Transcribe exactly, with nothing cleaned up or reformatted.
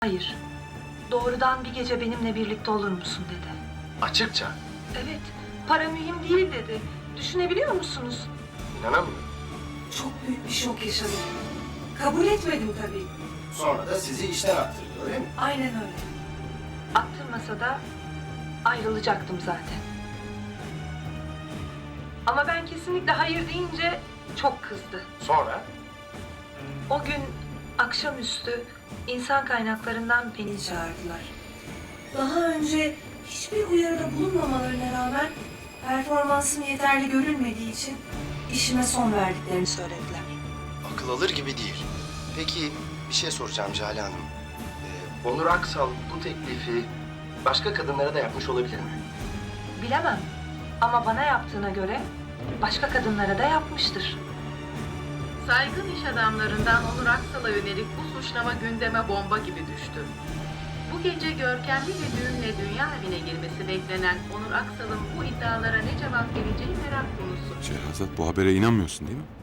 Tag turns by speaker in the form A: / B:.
A: Hayır. Doğrudan bir gece benimle birlikte olur musun dedi.
B: Açıkça.
A: Evet, para mühim değil dedi. Düşünebiliyor musunuz?
B: İnanamıyorum.
A: Çok büyük bir şok yaşadım. Kabul etmedim tabii.
B: Sonra da sizi işten attırdı, öyle mi?
A: Aynen öyle. Attırmasa da ayrılacaktım zaten. Ama ben kesinlikle hayır deyince çok kızdı.
B: Sonra?
A: O gün akşamüstü insan kaynaklarından beni çağırdılar. Daha önce hiçbir uyarıda bulunmamalarına rağmen performansım yeterli görülmediği için işime son verdiklerini söylediler.
B: Akıl alır gibi değil. Peki bir şey soracağım Cale Hanım. Ee, Onur Aksal bu teklifi başka kadınlara da yapmış olabilir mi?
A: Bilemem ama bana yaptığına göre başka kadınlara da yapmıştır.
C: Saygın iş adamlarından Onur Aksal'a yönelik bu suçlama gündeme bomba gibi düştü. Bu gece görkemli bir düğünle dünya evine girmesi beklenen Onur Aksal'ın bu iddialara ne cevap vereceği merak konusu.
D: Şehrazat, bu habere inanmıyorsun değil mi?